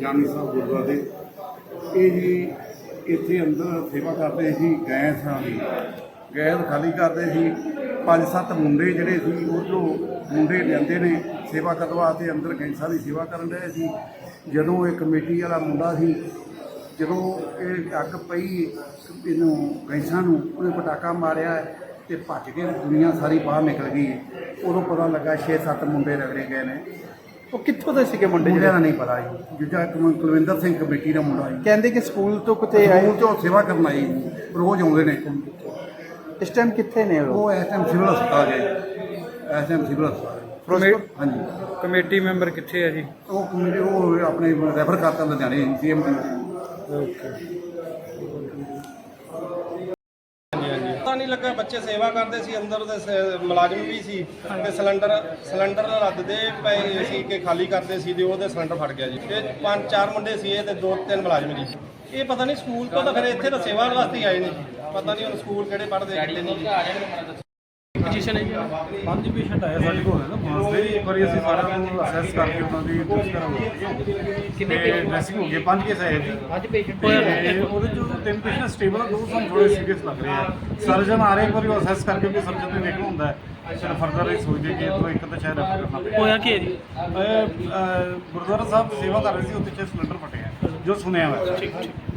ਜਾਨੀ ਸਾਹਿਬ ਗੁਰਦੁਆਰੇ ਇਹ ਜੀ ਇੱਥੇ ਅੰਦਰ ਸੇਵਾ ਕਰਦੇ ਸੀ ਗੈਸਾਂ ਦੀ। ਗੈਸ ਖਾਲੀ ਕਰਦੇ ਸੀ। 5-7 ਮੁੰਡੇ ਜਿਹੜੇ ਸੀ ਉਹ ਮੁੰਡੇ ਲਿਆਂਦੇ ਨੇ ਸੇਵਾ ਕਰਨ ਵਾਸਤੇ, ਅੰਦਰ ਗੈਸਾਂ ਦੀ ਸੇਵਾ ਕਰਨ ਰਹੇ ਸੀ। ਜਦੋਂ ਇਹ ਕਮੇਟੀ ਵਾਲਾ ਮੁੰਡਾ ਸੀ, ਜਦੋਂ ਇਹ ਅੱਗ ਪਈ ਇਹਨੂੰ ਗੈਸਾਂ ਨੂੰ, ਉਹਨੇ ਪਟਾਕਾ ਮਾਰਿਆ ਤੇ ਭੱਜ ਕੇ ਦੁਨੀਆ ਸਾਰੀ ਬਾਹਰ ਨਿਕਲ ਗਈ। ਉਦੋਂ ਪਤਾ ਲੱਗਾ 6-7 ਮੁੰਡੇ ਰਗੜੇ ਗਏ ਨੇ। ਉਹ ਕਿੱਥੋਂ ਦੇ ਸੀਗੇ ਮੁੰਡੇ? ਮੁੰਡਿਆਂ ਦਾ ਨਹੀਂ ਪਤਾ ਜੀ। ਜਿੱਦਾਂ ਕੁਲਵਿੰਦਰ ਸਿੰਘ ਕਮੇਟੀ ਦਾ ਮੁੰਡਾ ਜੀ, ਕਹਿੰਦੇ ਕਿ ਸਕੂਲ ਤੋਂ ਕਿਤੇ ਆਏ, ਸਕੂਲ ਤੋਂ ਸੇਵਾ ਕਰਨ ਆਏ ਜੀ, ਰੋਜ਼ ਆਉਂਦੇ ਨੇ। ਇਸ ਟਾਈਮ ਕਿੱਥੇ ਨੇ ਉਹ? ਉਹ ਇਸ ਟਾਈਮ ਸਿਵਲ ਹਸਪਤਾਲ ਗਏ, ਇਸ ਟਾਈਮ ਸਿਵਲ ਹਸਪਤਾਲ। ਹਾਂਜੀ, ਕਮੇਟੀ ਮੈਂਬਰ ਕਿੱਥੇ ਹੈ ਜੀ? ਉਹ ਕਮੇਟੀ ਉਹ ਆਪਣੇ ਰੈਫਰ ਕਰਤਾ ਲੁਧਿਆਣੇ ਸੀਐਮ ਦੀ। ਪਤਾ ਨਹੀਂ ਲੱਗਾ, ਬੱਚੇ ਸੇਵਾ ਕਰਦੇ ਸੀ ਅੰਦਰ ਦੇ ਮੁਲਾਜ਼ਮ ਵੀ ਸੀ ਤੇ ਸਿਲੰਡਰ ਰੱਦਦੇ ਪਏ ਸੀ ਕਿ ਖਾਲੀ ਕਰਦੇ ਸੀ ਤੇ ਉਹਦੇ ਸਿਲੰਡਰ ਫਟ ਗਿਆ ਜੀ। ਤੇ 5-4 ਮੁੰਡੇ ਸੀ ਇਹ ਤੇ 2-3 ਮੁਲਾਜ਼ਮ ਜੀ। ਇਹ ਪਤਾ ਨਹੀਂ ਸਕੂਲ ਤੋਂ ਤਾਂ ਫਿਰ ਇੱਥੇ ਤਾਂ ਸੇਵਾ ਵਾਸਤੇ ਆਏ ਨੇ ਜੀ। ਪਤਾ ਨਹੀਂ ਹੁਣ ਸਕੂਲ ਕਿਹੜੇ ਪੜ੍ਹਦੇ ਕਿਹੜੇ ਨਹੀਂ। ਪੋਜੀਸ਼ਨ ਹੈ ਜੀ 5 ਪੇਸ਼ੈਂਟ ਆਏ ਸਾਡੇ ਕੋਲ ਨਾ ਮਾਸ ਦੇ। ਇੱਕ ਵਾਰੀ ਅਸੀਂ ਸਾਰਿਆਂ ਨੂੰ ਅਸੈਸ ਕਰਕੇ ਉਹਨਾਂ ਦੀ ਟੈਸਟ ਕਰਾਂਗੇ। ਕਿੰਨੇ ਡਰੈਸਿੰਗ ਹੋ ਗਏ? 5 ਕੇਸ ਆਏ ਜੀ। 5 ਪੇਸ਼ੈਂਟ ਉਹਦੇ ਚੋਂ 3 ਪੇਸ਼ੈਂਟ ਸਟੇਬਲ ਆ, 2 ਸਾਨੂੰ ਥੋੜੇ ਸੀਰੀਅਸ ਲੱਗ ਰਹੇ ਆ। ਸਰਜਨ ਆ ਰਹੇ, ਇੱਕ ਵਾਰੀ ਉਹ ਅਸੈਸ ਕਰਕੇ ਵੀ ਸਰਜਨ ਨੇ ਦੇਖਣਾ ਹੁੰਦਾ ਹੈ। ਫਿਰ ਫਰਦਰ ਇਹ ਸੋਚਦੇ ਕਿ ਇਹ ਇੱਕ ਤਾਂ ਸ਼ਾਇਦ ਰੈਫਰ ਕਰਨਾ ਪਏ। ਹੋਇਆ ਕੀ ਹੈ ਜੀ? ਗੁਰਦੁਆਰਾ ਸਾਹਿਬ ਸੇਵਾ ਕਰ ਰਹੇ ਸੀ, ਉੱਥੇ 'ਚ ਸਿਲੰਡਰ ਫਟਿਆ ਜੋ ਸੁਣਿਆ ਹੋਇਆ।